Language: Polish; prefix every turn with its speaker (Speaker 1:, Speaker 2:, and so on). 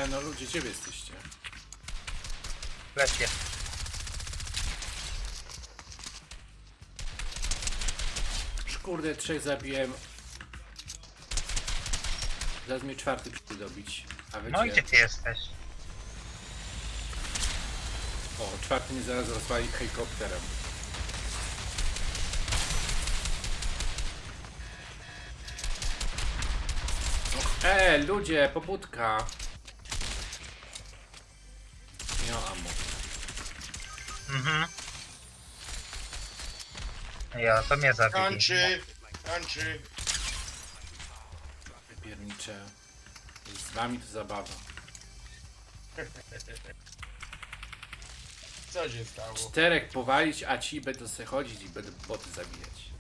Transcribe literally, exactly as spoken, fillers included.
Speaker 1: Nie, no ludzie, gdzie wy jesteście?
Speaker 2: Lepie.
Speaker 1: Kurde, trzech zabiłem. Zaraz mnie czwarty przyjdzie dobić. A wy
Speaker 2: No i
Speaker 1: gdzie?
Speaker 2: gdzie ty jesteś?
Speaker 1: O, czwarty mnie zaraz rozwali helikopterem. E, ludzie, pobudka. Nie mam ammo.
Speaker 2: Mhm. Ja, to mnie zabili.
Speaker 3: Kończy, kończy.
Speaker 1: Piernicze. Z wami to zabawa.
Speaker 3: Co się stało?
Speaker 1: Czterech powalić, a ci będą sobie chodzić i będą boty zabijać.